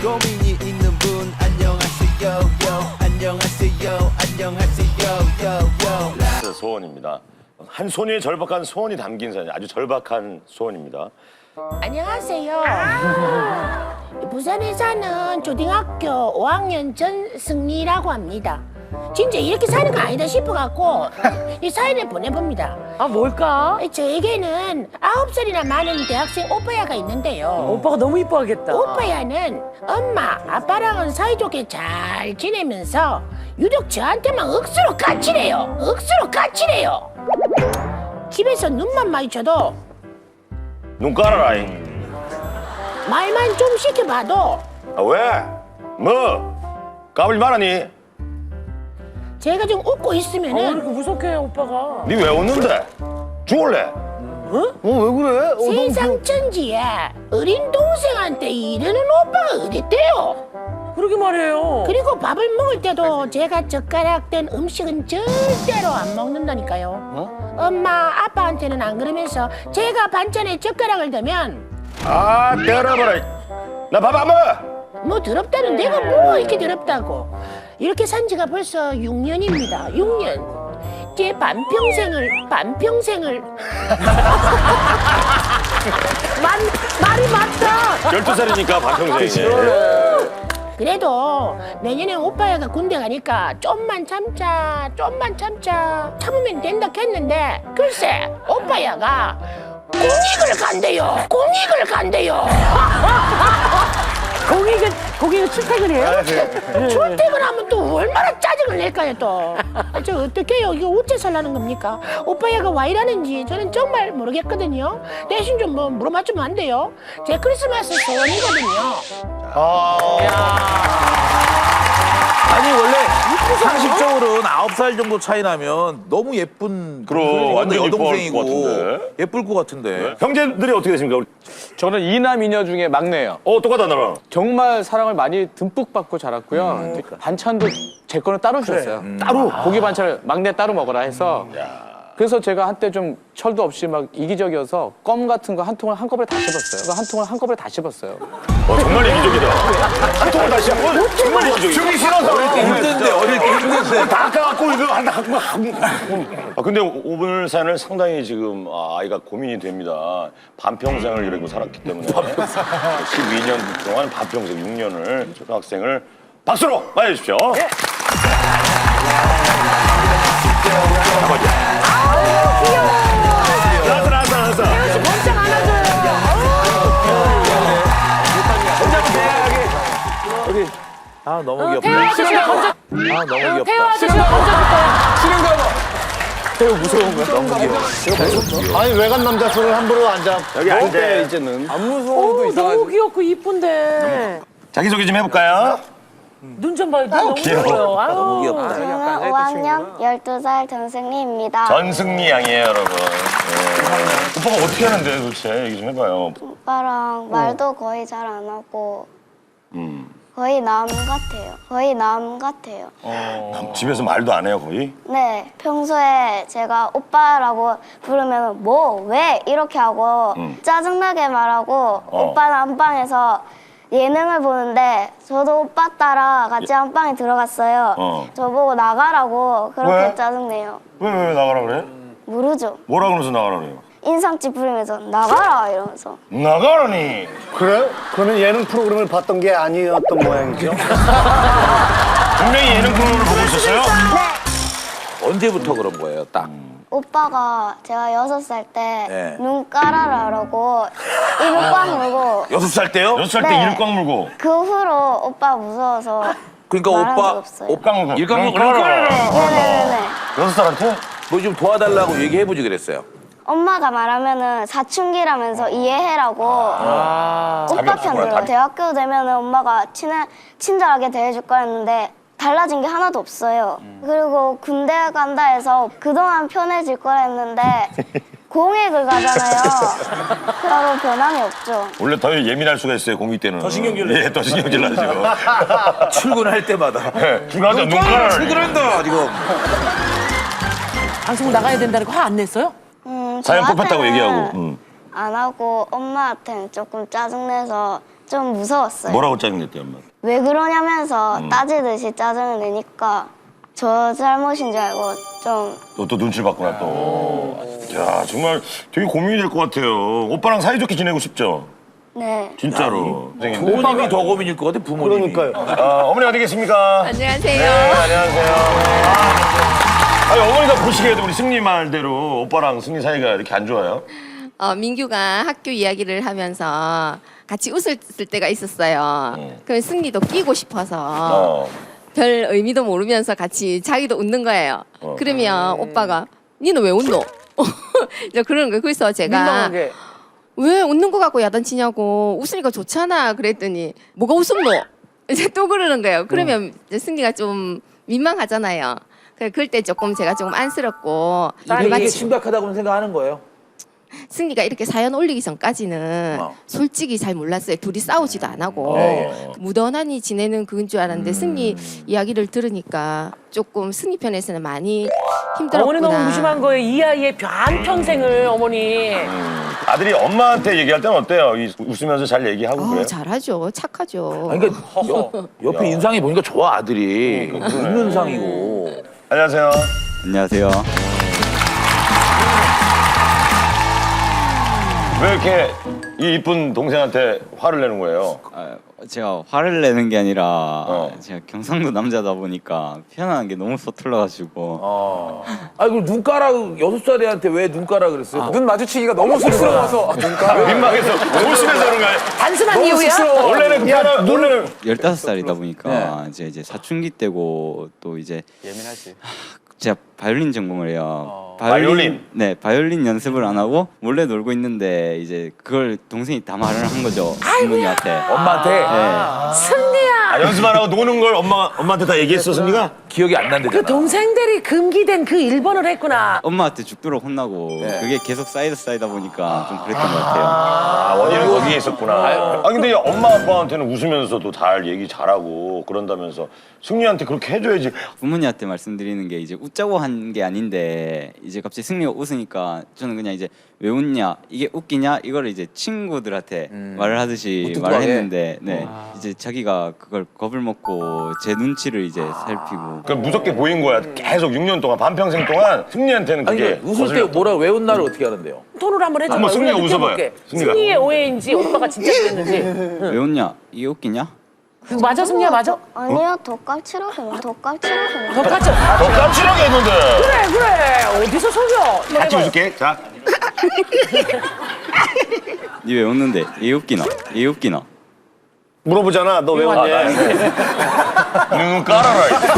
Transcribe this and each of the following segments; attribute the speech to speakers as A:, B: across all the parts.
A: 고민이 있는 분 안녕하세요 요 안녕하세요 안녕하세요 요
B: 소원입니다. 한 소녀의 절박한 소원이 담긴 사연, 아주 절박한 소원입니다.
C: 안녕하세요. 부산에 사는 초등학교 5학년 전승리라고 합니다. 진짜 이렇게 사는 거 아니다 싶어갖고 이 사연을 보내봅니다.
D: 아, 뭘까?
C: 저에게는 9살이나 많은 대학생 오빠야가 있는데요.
D: 오빠가 너무 이뻐하겠다.
C: 오빠야는 엄마, 아빠랑은 사이좋게 잘 지내면서 유독 저한테만 억수로 까칠해요. 억수로 까칠해요. 집에서 눈만 마주쳐도
B: 눈 깔아라잉.
C: 말만 좀 시켜봐도
B: 아, 왜? 뭐? 까불지 말아니?
C: 제가 좀 웃고
D: 왜
C: 있으면은
D: 이렇게 무섭게 해, 오빠가?
B: 니 왜 웃는데? 죽을래?
E: 왜 그래?
C: 세상 천지에 어린 동생한테 이러는 오빠가 어딨대요.
D: 그러게 말해요.
C: 그리고 밥을 먹을 때도 제가 젓가락 된 음식은 절대로 안 먹는다니까요. 엄마, 아빠한테는 안 그러면서 제가 반찬에 젓가락을 대면
B: 아, 때려봐라. 나 밥 안 먹어.
C: 뭐 더럽다는 내가 뭐 이렇게 더럽다고. 이렇게 산 지가 벌써 6년입니다. 6년. 제 반평생을 말이 맞다.
B: 12살이니까 반평생이네.
C: 그래도 내년에 오빠야가 군대 가니까 좀만 참자 참으면 된다 했는데 글쎄 오빠야가 공익을 간대요.
D: 거기가 출퇴근해요?
C: 출퇴근하면 또 얼마나 짜증을 낼까요 또. 저 어떡해요. 이거 어째 살라는 겁니까? 오빠야가 와 이러는지 저는 정말 모르겠거든요. 대신 좀 뭐 물어봐주면 안 돼요? 제 크리스마스 소원이거든요.
E: 아니 원래 상식적으로는 9살 정도 차이 나면 너무 예쁜
B: 그럼, 완전
E: 여동생이고
B: 예쁠 것 같은데.
E: 예쁠 것 같은데.
B: 형제들이 어떻게 되십니까?
F: 저는 이남 이녀 중에 막내예요.
B: 똑같다 나랑.
F: 정말 사랑을 많이 듬뿍 받고 자랐고요. 반찬도 제 거는 따로 주셨어요. 따로 고기 반찬을 막내 따로 먹어라 해서. 그래서 제가 한때 좀 철도 없이 막 이기적이어서 껌 같은 거 한 통을 한꺼번에 다 씹었어요.
B: 정말 이기적이다. 한 통을 다시 한 번? 정말 이기적이다. 주기 싫어서.
E: 어릴 때 힘든데.
B: 다 깎아갖고 이거 한다 갖고 아 근데 오늘 사연을 상당히 지금 아이가 고민이 됩니다. 반평생을 이러고 살았기 때문에 12년 동안 반평생 6년을 초등학생을 박수로 맞아주십시오. 나왔어.
D: 번쩍 안아줘요.
E: 아 너무 귀엽다.
D: 태호 아저씨가 번쩍.
E: 아 너무
D: 태호
E: 귀엽다.
D: 아저씨가 번쩍.
E: 너무 귀여워.
G: 아니 외간 남자 손을 함부로 앉아.
B: 여기 앉아.
G: 이제는.
F: 안 무서워도
D: 너무 귀엽고 이쁜데.
B: 자기소개 좀 해볼까요?
D: 눈 좀 봐요. 눈 너무
B: 귀여워.
D: 귀여워요. 아유.
E: 너무 귀엽다.
H: 저는 5학년 12살 전승리입니다.
B: 전승리 양이에요, 여러분. 네. 오빠가 어떻게 하는데 도대체 얘기 좀 해봐요.
H: 오빠랑 말도 거의 잘 안 하고 거의 남 같아요.
B: 집에서 말도 안 해요, 거의?
H: 네, 평소에 제가 오빠라고 부르면 뭐, 왜 이렇게 하고 짜증나게 말하고 오빠는 안방에서 예능을 보는데 저도 오빠 따라 같이 안방에 들어갔어요. 저보고 나가라고 그렇게
B: 왜?
H: 짜증내요.
B: 왜 나가라 그래?
H: 모르죠.
B: 뭐라 그러면서 나가라 그래요?
H: 인상 찌푸리면서 나가라 이러면서.
B: 나가라니!
G: 그래? 그러면 예능 프로그램을 봤던 게 아니었던 모양이죠?
B: 분명히 예능 프로그램을 보고 있었어요?
E: 언제부터 그런 거예요, 딱?
H: 오빠가 제가 6살 때
E: 네.
H: 눈 깔아라라고 입을 꽉 물고
E: 6살 때요?
B: 6살 때
H: 네.
B: 이를 꽉 물고.
H: 그 후로 오빠 무서워서
E: 그러니까
H: 말한 적
E: 오빠
H: 없어요.
B: 옷 물고.
E: 일광 물고
H: 네네네.
B: 6살한테?
E: 뭐 좀 도와달라고 얘기해보지 그랬어요.
H: 엄마가 말하면은 사춘기라면서 이해해라고 오빠
B: 답이
H: 편
B: 없구나,
H: 들어.
B: 답이.
H: 대학교 되면은 엄마가 친절하게 대해줄 거였는데 달라진 게 하나도 없어요. 그리고 군대 간다 해서 그동안 편해질 거라 했는데 공익을 가잖아요. 따로 변함이 없죠.
B: 원래 더 예민할 수가 있어요, 공익 때는. 더
E: 신경질 내죠.
B: 예, 더 신경질 나죠.
E: 출근할 때마다.
B: 중간에 눈 깔아라.
E: 출근한다, 지금.
D: 방송 나가야 된다는 거 화 안 냈어요?
B: 사연 뽑혔다고
H: 저한테는
B: 얘기하고.
H: 안 하고 엄마한테는 조금 짜증내서 좀 무서웠어요.
B: 뭐라고 짜증냈대 엄마?
H: 왜 그러냐면서 따지듯이 짜증을 내니까 저 잘못인 줄 알고 좀
B: 또 눈치를 봤구나 또. 야 정말 되게 고민이 될 것 같아요. 오빠랑 사이좋게 지내고 싶죠?
H: 네.
B: 진짜로.
E: 부모님이 더 고민일 것 같아, 부모님이.
G: 그러니까요.
B: 어머니 어디 계십니까?
I: 안녕하세요.
B: 네, 안녕하세요. 아니, 어머니가 보시기에도 우리 승리 말대로 오빠랑 승리 사이가 이렇게 안 좋아요?
I: 민규가 학교 이야기를 하면서 같이 웃을 때가 있었어요. 그럼 승리도 끼고 싶어서 별 의미도 모르면서 같이 자기도 웃는 거예요. 그러면 오빠가 니는 왜 웃노? 이제 그러는 거예요. 그래서 제가
D: 민망하게.
I: 왜 웃는 거 갖고 야단치냐고 웃으니까 좋잖아 그랬더니 뭐가 웃음노? 이제 또 그러는 거예요. 그러면 이제 승리가 좀 민망하잖아요. 그럴 때 조금 제가 조금 안쓰럽고
E: 딸이 이게
I: 마치
E: 심각하다고 생각하는 거예요.
I: 승리가 이렇게 사연 올리기 전까지는 솔직히 잘 몰랐어요. 둘이 싸우지도 안 하고 무던하니 지내는 그건 줄 알았는데 승리 이야기를 들으니까 조금 승리 편에서는 많이 힘들었구나.
D: 어머니 너무 무심한 거예요. 이 아이의 한평생을 어머니.
B: 아들이 엄마한테 얘기할 때는 어때요? 웃으면서 잘 얘기하고 그래요?
I: 잘하죠. 착하죠.
E: 아니, 그러니까 옆에 인상이 보니까 좋아, 아들이. 웃는 상이고.
B: 안녕하세요.
J: 안녕하세요.
B: 왜 이렇게 이 이쁜 동생한테 화를 내는 거예요?
J: 제가 화를 내는 게 아니라 제가 경상도 남자다 보니까 표현하는 게 너무 서툴러가지고.
E: 아이고, 눈가락 6살애한테 왜 눈가락 그랬어요?
F: 눈 마주치기가 너무 쑥스러워서
B: 민망해서 웃으면서 그런 거예요?
D: 단순한 이유야?
B: 원래는 그냥 원래는
J: 15살이다 보니까 이제 사춘기 때고 또 이제
F: 예민하지.
J: 제가 바이올린 전공을 해요.
B: 바이올린?
J: 네, 바이올린 연습을 안 하고 몰래 놀고 있는데 이제 그걸 동생이 다 말을 한 거죠. 부모님한테.
E: 엄마한테?
J: 네.
D: 승리야.
B: 연습 안 하고 노는 걸 엄마한테 다 얘기했어, 승리가?
E: 기억이 안 난대잖아.
D: 그 동생들이 금기된 그 1번을 했구나.
J: 엄마한테 죽도록 혼나고 그게 계속 쌓이다 보니까 좀 그랬던 것 같아요.
B: 원인은 거기에 있었구나. 근데 엄마 아빠한테는 웃으면서도 잘 얘기 잘하고 그런다면서 승리한테 그렇게 해줘야지.
J: 부모님한테 말씀드리는 게 이제 웃자고 한 게 아닌데 이제 갑자기 승리가 웃으니까 저는 그냥 이제 왜 웃냐 이게 웃기냐 이거를 이제 친구들한테 말을 하듯이 말을 했는데 이제 자기가 그걸 겁을 먹고 제 눈치를 이제 살피고
B: 그 무섭게 보인 거야. 계속 6년 동안 반평생 동안 승리한테는
E: 아니,
B: 그게
E: 웃을 때 뭐라, 왜 웃나를 어떻게 하는데요?
D: 톤으로 한번 해줘.
B: 한번 승리가
D: 우리가
B: 웃어봐요.
D: 느껴볼게.
B: 승리가.
D: 승리의 오해인지 오빠가 진짜 그랬는지.
J: 왜 웃냐 이게 웃기냐
D: 맞아 승리야 맞아?
H: 아니요, 덧값치라고. 덧값치라고.
D: 똑같죠?
B: 더 깜찍하게 했는데.
D: 그래 어디서 속여?
B: 같이 웃을게. 자.
J: 니 왜 웃는데 이게 웃기나 이게 웃기나
G: 물어보잖아. 너 왜 왔냐?
B: 눈 깔아라. 이제.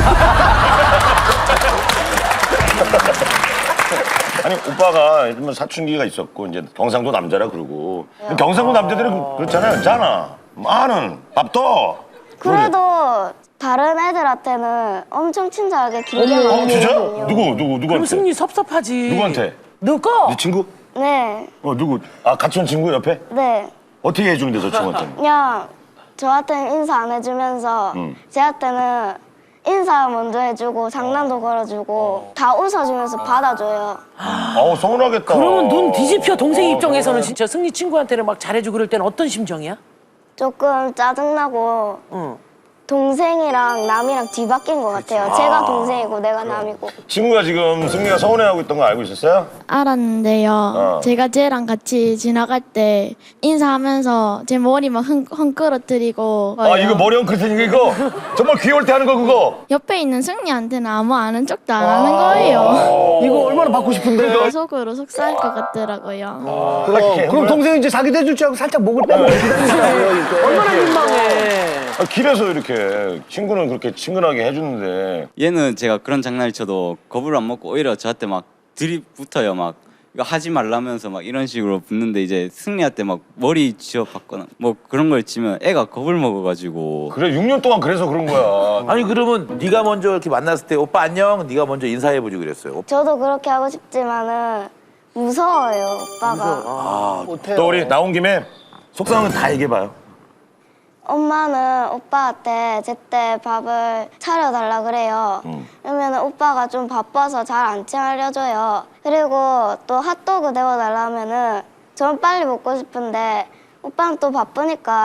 B: 아니 오빠가 뭐 사춘기가 있었고 이제 경상도 남자라 그러고 경상도 남자들은 그렇잖아요. 괜찮아. 많은 밥도.
H: 그래도 다른 애들한테는 엄청 친절하게 길게
B: 진짜?
H: 말해주거든요.
D: 그럼
B: 누구한테?
D: 승리 섭섭하지.
B: 누구한테?
D: 누구?
B: 네 친구?
H: 네,
B: 누구? 같이 온 친구 옆에?
H: 네.
B: 어떻게 해주는데 저 친구한테는?
H: 그냥 저한테는 인사 안 해주면서 쟤한테는 인사 먼저 해주고 장난도 걸어주고 다 웃어주면서 받아줘요.
B: 서운하겠다.
D: 그러면 눈 뒤집혀 동생 입장에서는 진짜 승리 친구한테는 막 잘해주고 그럴 때는 어떤 심정이야?
H: 조금 짜증나고 동생이랑 남이랑 뒤바뀐 것 같아요. 제가 동생이고 내가 남이고.
B: 친구가 지금 승리가 서운해하고 있던 거 알고 있었어요?
K: 알았는데요. 제가 쟤랑 같이 지나갈 때 인사하면서 제 머리 막 헝끌어뜨리고
B: 이거 머리 엉클테니까 이거 정말 귀여울 때 하는 거 그거.
K: 옆에 있는 승리한테는 아무 아는 척도 안 하는 거예요.
G: 이거 얼마나 받고 싶은데?
K: 속으로 속상할 것 같더라고요.
G: 그럼 동생이 이제 자기도 해줄 줄 알고 살짝 목을 빼고 기다리시는
D: 얼마나 민망해.
B: 길에서 이렇게 친구는 그렇게 친근하게 해주는데
J: 얘는 제가 그런 장난을 쳐도 겁을 안 먹고 오히려 저한테 막 들이붙어요. 막 이거 하지 말라면서 막 이런 식으로 붙는데 이제 승리한테 막 머리 쥐어받거나 뭐 그런 걸 치면 애가 겁을 먹어가지고.
B: 그래 6년 동안 그래서 그런 거야.
E: 아니, 그러면 네가 먼저 이렇게 만났을 때 오빠 안녕, 네가 먼저 인사해보지 그랬어요.
H: 저도 그렇게 하고 싶지만은 무서워요, 오빠가.
B: 또 우리 나온 김에 속상한 건 다 얘기해봐요.
H: 엄마는 오빠한테 제때 밥을 차려달라 그래요. 그러면 오빠가 좀 바빠서 잘 안 차려줘요. 그리고 또 핫도그 데워달라 하면은 전 빨리 먹고 싶은데 오빠는 또 바쁘니까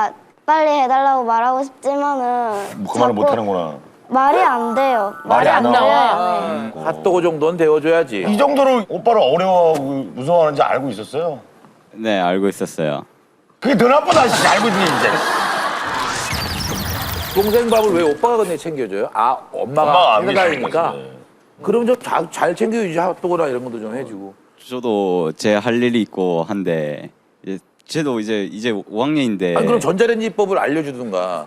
H: 빨리 해달라고 말하고 싶지만은
B: 그 말을 못
H: 자꾸
B: 하는구나.
H: 말이 안 돼요.
B: 말이 안 나와.
E: 핫도그 정도는 데워줘야지.
B: 이 정도로 오빠를 어려워하고 무서워하는지 알고 있었어요?
J: 네, 알고 있었어요.
B: 그게 더 나쁘다, 씨. 알고 있니, 이제.
E: 동생 밥을 왜 오빠가 근데 챙겨줘요? 아,
B: 엄마가
E: 엄마가
B: 안
E: 해다니까.
B: 계시는 거지.
E: 그럼 좀 잘 챙겨주지. 핫도그나 이런 것도 좀 해주고.
J: 저도 제 할 일이 있고 한데 이제 쟤도 이제 5학년인데
E: 아니, 그럼 전자레인지법을 알려주든가.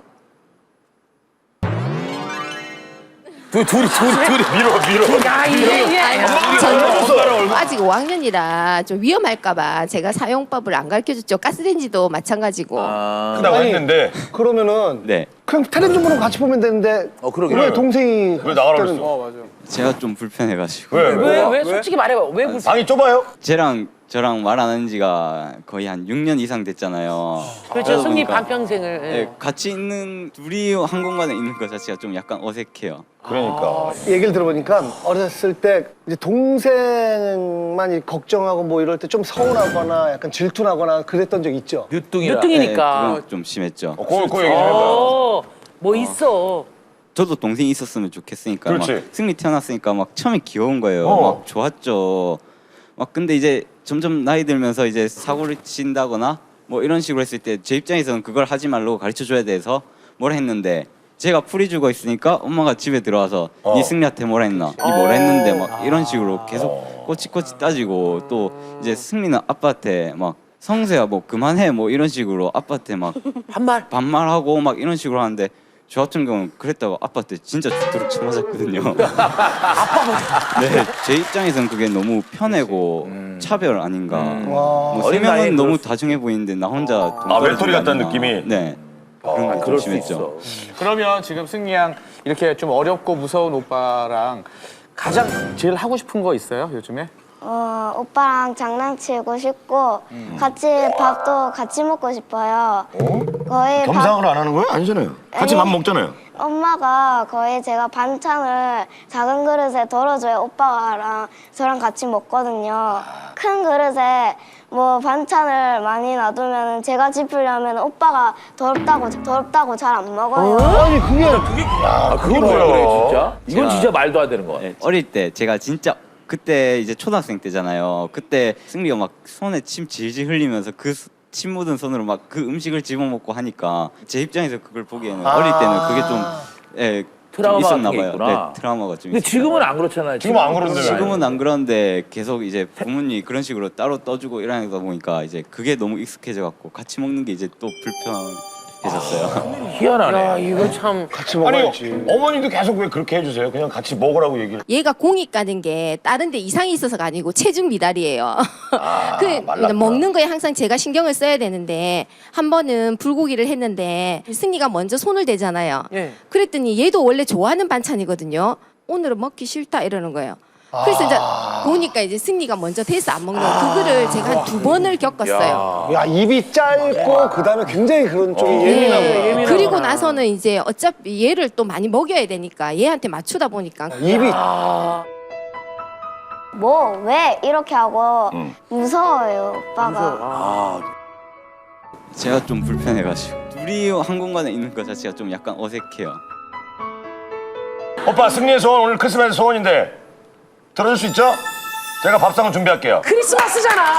E: 둘이 밀어.
D: 야, 이게
I: 저는 아직 5학년이라 좀 위험할까봐 제가 사용법을 안 가르쳐줬죠. 가스레인지도 마찬가지고.
B: 한다고 했는데.
G: 그러면은
J: 네,
G: 그냥 텔레비전으로 같이 보면 되는데
E: 그러게.
G: 왜 동생이
B: 왜 나가라
G: 때는-
B: 그랬어?
J: 제가 좀 불편해가지고
D: 왜 솔직히 말해봐. 왜 불쌍?
B: 방이 좁아요?
J: 쟤랑 저랑 말 안 한 지가 거의 한 6년 이상 됐잖아요.
D: 그렇죠. 승리
J: 그러니까
D: 반평생을. 예.
J: 네, 같이 있는 둘이 한 공간에 있는 것 자체가 좀 약간 어색해요.
B: 그러니까.
G: 얘기를 들어보니까 어렸을 때 이제 동생만 이 걱정하고 뭐 이럴 때 좀 서운하거나 약간 질투나거나 그랬던 적 있죠?
E: 늦둥이라.
D: 늦둥이니까.
J: 네, 그건 좀 심했죠.
B: 그거 얘기 좀 해봐요.
D: 뭐 있어.
J: 저도 동생이 있었으면 좋겠으니까 막
B: 그렇지.
J: 승리 태어났으니까 막 처음에 귀여운 거예요. 막 좋았죠. 막 근데 이제 점점 나이 들면서 이제 사고를 친다거나 뭐 이런 식으로 했을 때 제 입장에서는 그걸 하지 말라고 가르쳐 줘야 돼서 뭘 했는데 제가 풀이 죽어 있으니까 엄마가 집에 들어와서 네 승리한테 뭐라 했나? 네 뭐라 했는데 막 이런 식으로 계속 꼬치꼬치 따지고 또 이제 승리는 아빠한테 막 성세야 뭐 그만해 뭐 이런 식으로 아빠한테 막 반말하고 막 이런 식으로 하는데 저 같은 경우는 그랬다고 아빠한테 진짜 죽도록 쳐맞았거든요. 네, 제 입장에서는 그게 너무 편하고 차별 아닌가. 뭐 세
E: 어린 나이에
J: 명은 너무
E: 그럴 수-
J: 다중해 보이는데 나 혼자
B: 외톨이 같다는 느낌이?
J: 네. 그런 게 좀 심했죠.
F: 그러면 지금 승리 양 이렇게 좀 어렵고 무서운 오빠랑 가장 제일 하고 싶은 거 있어요 요즘에?
H: 오빠랑 장난치고 싶고 같이 밥도 같이 먹고 싶어요. 거의
B: 겸상을 안 하는 거예요? 아니잖아요. 같이 밥 먹잖아요.
H: 엄마가 거의 제가 반찬을 작은 그릇에 덜어줘야 오빠랑 저랑 같이 먹거든요. 큰 그릇에 뭐 반찬을 많이 놔두면 제가 짚으려면 오빠가 더럽다고 잘 안 먹어요.
G: 아니 그게
E: 그건 왜 그래 진짜? 이건 진짜 말도 안 되는 거야.
J: 네, 어릴 때 제가 진짜 그때 이제 초등학생 때잖아요. 그때 승리가 막 손에 침 질질 흘리면서 그 침 묻은 손으로 막 그 음식을 집어먹고 하니까 제 입장에서 그걸 보기에는 어릴 때는 그게 좀 좀
E: 트라우마가
J: 있었나
E: 되게
J: 봐요.
E: 있구나.
J: 네, 트라우마가 좀
E: 근데
J: 있었나
E: 지금은
J: 봐요.
E: 안 그렇잖아요.
B: 지금은 안 그런데.
J: 지금은 안 그런데 계속 이제 부모님이 그런 식으로 따로 떠주고 이러다 보니까 이제 그게 너무 익숙해져 갖고 같이 먹는 게 이제 또 불편해졌어요.
E: 희한하네.
D: 야, 이거 참.
G: 같이
B: 아니,
G: 먹어야지.
B: 어머니도 계속 왜 그렇게 해주세요? 그냥 같이 먹으라고 얘기를.
I: 얘가 공이 까는 게 다른 데 이상이 있어서가 아니고 체중 미달이에요.
B: 말랐다.
I: 먹는 거에 항상 제가 신경을 써야 되는데 한 번은 불고기를 했는데 승리가 먼저 손을 대잖아요.
D: 예.
I: 그랬더니 얘도 원래 좋아하는 반찬이거든요. 오늘은 먹기 싫다 이러는 거예요. 그래서 이제 보니까 이제 승리가 먼저 대서 안 먹는 거 그거를 제가 한 2번을 겪었어요.
G: 야 입이 짧고 그다음에 굉장히 그런 쪽이 예민하고
I: 그리고 나서는 이제 어차피 얘를 또 많이 먹여야 되니까 얘한테 맞추다 보니까
G: 입이
H: 뭐 왜 이렇게 하고 무서워요 오빠가.
J: 제가 좀 불편해가지고 둘이 한 공간에 있는 것 자체가 좀 약간 어색해요.
B: 오빠 승리의 소원 오늘 크리스마스 소원인데 들어줄 수 있죠? 제가 밥상을 준비할게요.
D: 크리스마스잖아.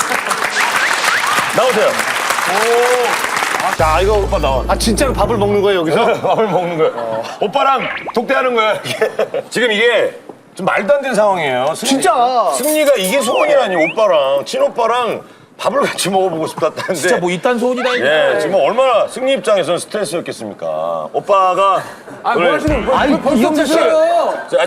B: 나오세요.
G: 자 이거
B: 오빠 나와.
G: 아 진짜로 밥을 먹는 거예요 여기서?
B: 밥을 먹는 거예요. 오빠랑 독대하는 거야. 이게. 지금 이게 좀 말도 안 되는 상황이에요.
G: 진짜.
B: 승리가 이게 소원이라니 오빠랑 친오빠랑 밥을 같이 먹어보고 싶다는데.
E: 진짜 뭐 이딴 소원이다 이거.
B: 예, 지금 얼마나 승리 입장에서는 스트레스였겠습니까? 오빠가
F: 뭐 하시는 거예요?
G: 아니 이경재 씨.
B: 자,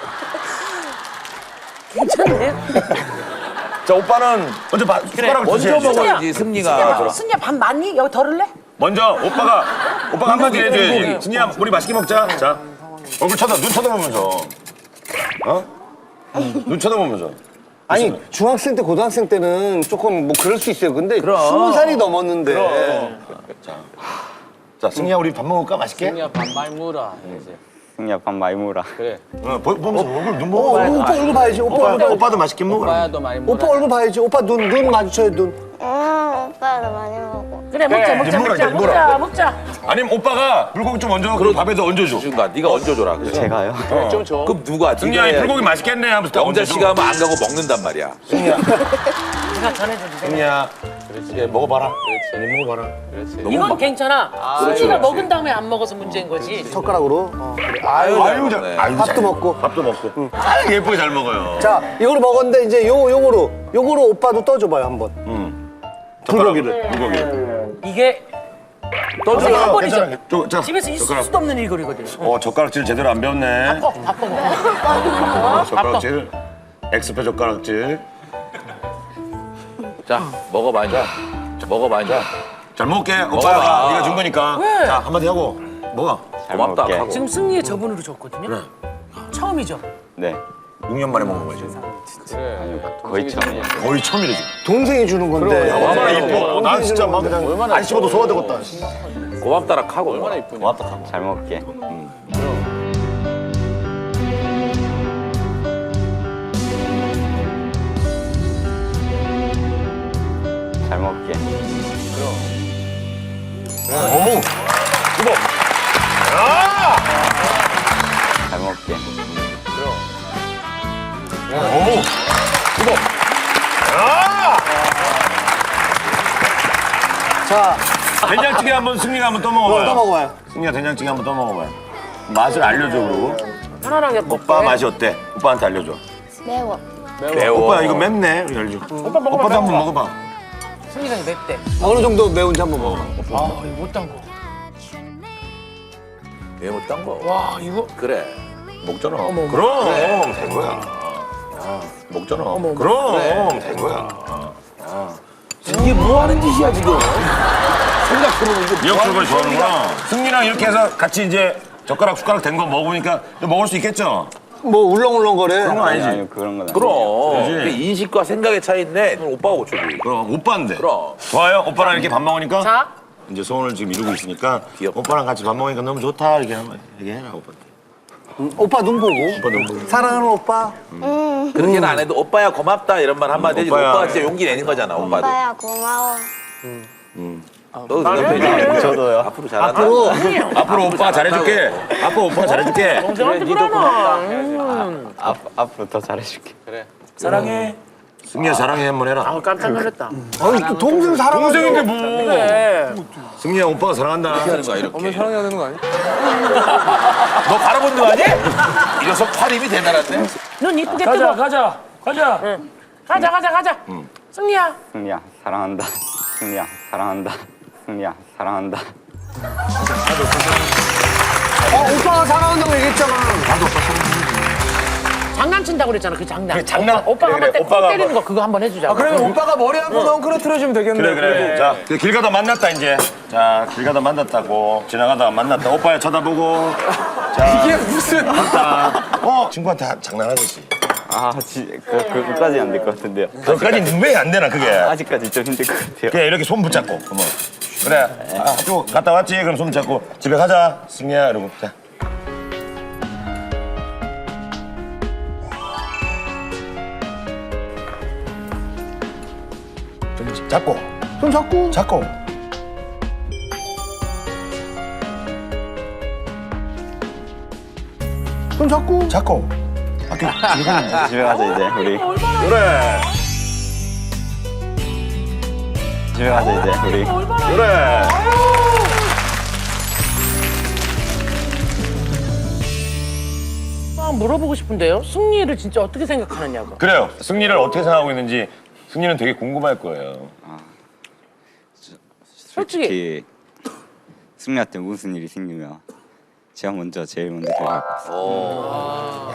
D: 괜찮네.
B: 자, 오빠는 먼저 숟가락을
E: 먼저
B: 주셔야지.
E: 먹어야지 승리가.
D: 승리야 밥 많니? 여기 덜을래?
B: 먼저 오빠가 한마디 해줘야지. 승리야, 우리 맛있게 먹자. 자, 얼굴 눈 쳐다보면서. 어? 눈 쳐다보면서.
G: 아니 중학생 때 고등학생 때는 조금 뭐 그럴 수 있어요. 근데 20살이 넘었는데.
B: 자, 승리야, 우리 밥 먹을까? 맛있게?
F: 승리야 반말 물어 이제.
J: 승리야 밥 많이 먹어라.
F: 그래.
B: 보면서 얼굴 눈 보고
G: 오빠 얼굴 봐야지. 오빠 얼굴 봐야지.
B: 오빠도 맛있게 먹어라.
F: 오빠야 너 많이 먹어.
G: 오빠 얼굴 봐야지. 오빠 눈 마주쳐야 눈.
H: 오빠도 많이 먹어.
D: 그래 먹자.
B: 아니면 오빠가 불고기 좀 얹어 그럼 밥에다 얹어줘.
E: 준가 네가 얹어줘라. 그래.
J: 제가요?
F: 좀 줘.
E: 그럼 누가?
B: 승리야
E: 네가
B: 이 불고기 맛있겠네 하면서 딱
E: 영자
B: 얹어줘.
E: 씨가 하면 안 가고 먹는단 말이야.
D: 제가 전해줘도 돼.
B: 승리야 예, 먹어봐라. 아니 먹어봐라.
D: 이건 괜찮아. 승리가 먹은 다음에 안 먹어서 문제인 거지.
G: 젓가락으로. 그래. 아유,
B: 아유
G: 밥도
B: 잘
G: 먹고.
B: 밥도 먹고. 아 예쁘게 잘 먹어요.
G: 자, 이거를 먹었는데 이제 요거로 오빠도 떠줘봐요 한번. 불고기를.
B: 불고기.
D: 이게
E: 떠줘.
D: 한 번이죠.
B: 자,
D: 집에서 있을
B: 젓가락.
D: 수도 없는 일거리거든.
B: 젓가락질 제대로 안 배웠네.
D: 바꿔 먹어.
B: 젓가락질. 엑스페 젓가락질.
E: 자 먹어봐 이제. 먹어봐 이제.
B: 잘 먹을게.
E: 먹어봐.
B: 오빠가 네가 준 거니까.
D: 왜?
B: 자 한마디 하고 먹어.
J: 잘
E: 고맙다
J: 먹을게.
E: 하고.
D: 지금 승리의 저분으로 줬거든요. 처음이죠.
J: 네.
B: 6년 만에 먹는 거지.
J: 거의 처음이에요.
B: 거의 처음이래 지금.
G: 동생이 주는 건데.
B: 얼마나 이뻐. 난 진짜 막 그냥 안 씹어도 소화되겠다.
E: 고맙다라 하고.
F: 얼마나 이쁘냐.
B: 고맙다.
J: 잘 먹을게. 잘 먹을게.
B: 어머. 이거.
J: 잘 먹을게.
B: 어머. 이거.
G: 자,
B: 된장찌개 한번 승리가 한번 또 먹어봐요.
G: 또 먹어봐요.
B: 승리가 된장찌개 한번 또 먹어봐요. 맛을 알려줘 그리고.
D: 편안하게 먹고.
B: 오빠 맛이 어때? 오빠한테 알려줘.
H: 매워.
E: 매워.
B: 오빠 이거 맵네. 이렇게 알려줘.
D: 오빠 먹어봐.
B: 오빠도 한번 먹어봐.
D: 승리가 맵대.
G: 어느 정도 매운지 한번 먹어.
D: 아 이거 못단 거.
E: 매워 딴 거.
D: 와 이거
E: 그래.
B: 먹잖아. 그럼 된 거야. 먹잖아. 그럼 된 거야.
E: 이게 뭐 하는 짓이야 지금? 생각해보면 이거 뭐
B: 미역국을
E: 하는
B: 좋아하는구나. 승리랑 이렇게 해서 같이 이제 젓가락 숟가락 된 거 먹으니까 좀 먹을 수 있겠죠?
G: 뭐 울렁울렁거려.
B: 그런 거 아니지?
J: 아니 그런 건 아니에요.
E: 그럼
B: 그러지.
E: 그 인식과 생각의 차이인데 그건 오빠가 고쳐줘.
B: 그럼 오빠인데.
E: 그럼.
B: 좋아요? 오빠랑 이렇게 밥 먹으니까?
D: 자
B: 이제 소원을 지금 이루고 있으니까
E: 귀엽다.
B: 오빠랑 같이 밥 먹으니까 너무 좋다 이렇게 한번 얘기해라 오빠한테.
G: 오빠 눈 보고.
B: 오빠 너무 보고.
G: 사랑하는 오빠.
E: 그렇게는 안 해도 오빠야 고맙다 이런 말 한마디 해주고
B: 오빠야.
E: 오빠가 진짜 용기 내는 거잖아 오빠도.
H: 오빠야 고마워.
E: 너도 대답해.
J: 저도요.
E: 앞으로 잘한다.
B: 앞으로 오빠가 잘해줄게. 앞으로 오빠가 잘해줄게.
D: 동생한테
F: 니도
D: 그러나.
J: 앞으로 더 잘해줄게.
D: 사랑해.
B: 승리야 사랑해 한번 해라.
D: 아 깜짝 놀랐다.
G: 아니, 또 동생 사랑하는
B: 동생인데 뭐.
D: 그래.
B: 승리야 오빠가 사랑한다.
E: 이렇게 하는 거야 이렇게.
F: 엄마 사랑해야 되는 거 아니야?
E: 너 갈아본 거 아니? 이 녀석 팔 힘이 대단한데?
D: 눈 이쁘게 뜨고. 가자. 가자. 승리야.
J: 승리야 사랑한다. 승리야 사랑한다. 승리야 사랑한다.
G: 오빠가 사랑한다고 얘기했잖아.
D: 장난친다고 그랬잖아 그 장난.
B: 그래, 장난.
D: 오빠가
B: 그래,
D: 한번
B: 그래. 오빠가
D: 때리는 거 그거 한번 해주자.
F: 그러면 오빠가 머리 한번 엉클어트려주면 되겠네.
B: 그래. 자, 길 가다 만났다 이제. 자, 길 가다 만났다고. 지나가다가 만났다. 오빠야 쳐다보고. 자,
F: 이게 무슨.
B: 친구한테 장난하듯이.
J: 그까지 안 될 것 같은데요.
B: 그까지 왜 안 되나 그게?
J: 아직까지 좀 힘들 것 같아요.
B: 그래 이렇게 손 붙잡고. 어머. 그래. 학교 갔다 왔지? 그럼 손 잡고 집에 가자. 승리야 이러고. 자. 좀 잡고.
G: 손 잡고.
B: 잡고.
G: 손 잡고.
B: 잡고. 학교 집에 가자.
J: 집에 가자 이제 우리.
B: 그래.
J: 집에 가자 이제 우리.
B: 그래.
D: 물어보고 싶은데요. 승리를 진짜 어떻게 생각하느냐고.
B: 그래요. 승리를 어떻게 생각하고 있는지 승리는 되게 궁금할 거예요.
J: 솔직히 승리한테 무슨 일이 생기면 제가 제일 먼저 들어갈 것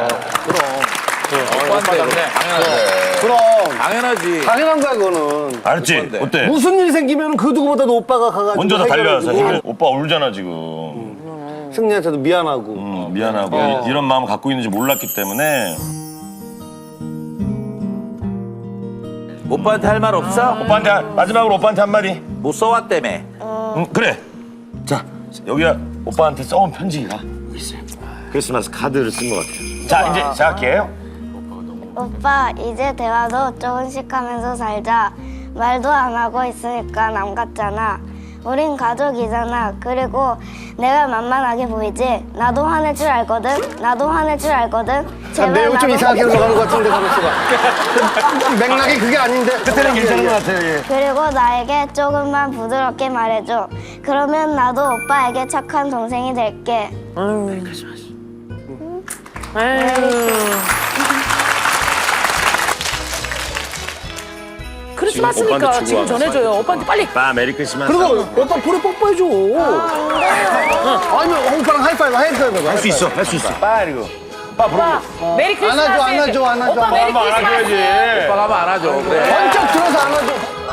J: 같습니다.
E: 오빠한테 당연하지.
G: 그럼.
E: 당연하지.
G: 당연한 거야, 그거는.
B: 알았지?
E: 오빠인데.
B: 어때?
G: 무슨 일 생기면 그 누구보다도 오빠가 가가지고.
B: 먼저 다 달려와서
G: 해결해주고.
B: 오빠 울잖아 지금.
G: 승리한테도 미안하고.
B: 미안하고 이런 마음 갖고 있는지 몰랐기 때문에.
E: 오빠한테 할 말 없어?
B: 오빠한테 마지막으로 오빠한테 한마디.
E: 못 써왔다며.
B: 그래. 자 여기야 오빠한테 써온 편지가 여기 있어요. 크리스마스 카드를 쓴 것 같아요. 자, 이제 시작할게요.
H: 오빠 이제 대화도 조금씩 하면서 살자. 말도 안 하고 있으니까 남 같잖아. 우린 가족이잖아. 그리고 내가 만만하게 보이지? 나도 화낼 줄 알거든. 나도 화낼 줄 알거든. 제발
G: 내용 좀
H: 나도-
G: 이상하게 흘러가는 것 같은데 가만있어봐. 맥락이 그게 아닌데.
B: 그때는 괜찮은 것 같아요. 예.
H: 그리고 나에게 조금만 부드럽게 말해줘. 그러면 나도 오빠에게 착한 동생이 될게.
D: 크리스마스니까
B: 오빠한테
D: 지금
B: 주고
D: 전해줘요. 오빠한테 빨리.
B: 오빠 메리 크리스마스.
C: 그리고 오빠 볼에 뽀뽀해줘.
G: 아니면 오빠랑 하이파이브 해봐.
B: 할 수 있어, 할 수 있어. 빨리 이거. 오빠 부르고.
D: 메리 크리스마스.
G: 안아줘,
D: 해야지.
G: 안아줘, 안아줘.
D: 오빠 메리
B: 한번
D: 크리스마스.
B: 안아줘야지.
E: 오빠가 하면 안 하죠. 그래.
G: 번쩍 들어서 안아줘.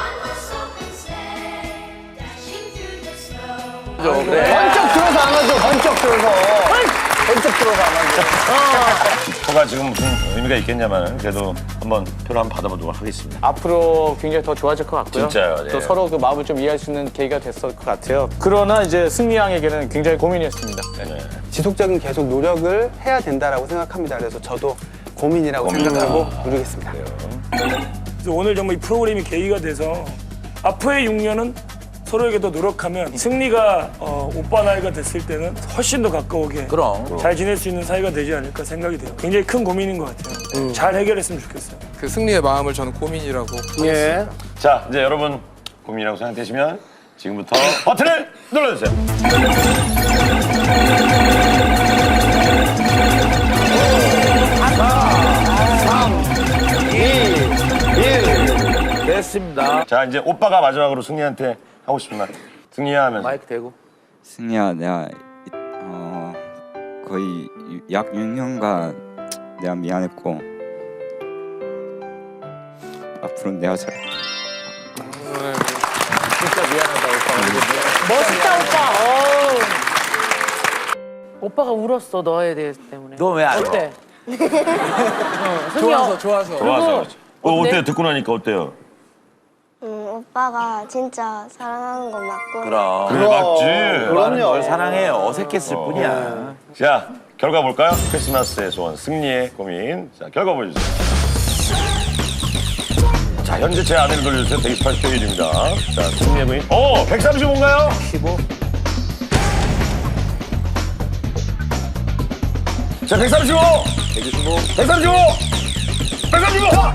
E: 그래.
G: 번쩍 들어서 안아줘. 번쩍 들어서. 번쩍 들어서 안아줘.
B: 표가 지금 무슨 의미가 있겠냐면 그래도 한번 표를 한번 받아보도록 하겠습니다.
F: 앞으로 굉장히 더 좋아질 것 같고요.
B: 진짜요, 예.
F: 또 서로 그 마음을 좀 이해할 수 있는 계기가 됐을 것 같아요. 그러나 이제 승리 양에게는 굉장히 고민이었습니다.
B: 네.
L: 지속적인 계속 노력을 해야 된다라고 생각합니다. 그래서 저도 고민이라고 생각하고 누리겠습니다.
M: 그래서 오늘 정말 이 프로그램이 계기가 돼서 앞으로의 6년은 서로에게 더 노력하면 승리가 오빠 나이가 됐을 때는 훨씬 더 가까우게
E: 그럼.
M: 잘 지낼 수 있는 사이가 되지 않을까 생각이 돼요. 굉장히 큰 고민인 것 같아요. 잘 해결했으면 좋겠어요.
N: 그 승리의 마음을 저는 고민이라고.
G: 예.
B: 자, 이제 여러분 고민이라고 생각되시면 지금부터 버튼을 눌러주세요.
E: 됐습니다.
B: 자, 이제 오빠가 마지막으로 승리한테 하고 싶은 말. 승리야 하면서.
E: 마이크 대고.
J: 승리야, 내가 거의 약 6년간 내가 미안했고 앞으로 내가 잘.
F: 진짜 미안하다 오빠.
D: 멋있다 오빠. 오빠가 울었어 너에 대해서 때문에.
E: 너 왜 안 울어?
D: 어때?
N: 좋아서 좋아서.
B: 좋아서.
D: 어때?
B: 어때요? 듣고 나니까 어때요?
H: 오빠가 진짜 사랑하는 건 맞고.
E: 그럼.
B: 그래, 맞지?
E: 오빠는 널 사랑해요. 어색했을 뿐이야.
B: 자, 결과 볼까요? 크리스마스의 소원, 승리의 고민. 자, 결과 보여주세요. 자, 현재 제 아내를 돌려주세요. 128표 1입니다. 자, 승리의 고민. 135인가요? 15. 자, 135! 125. 135! 135!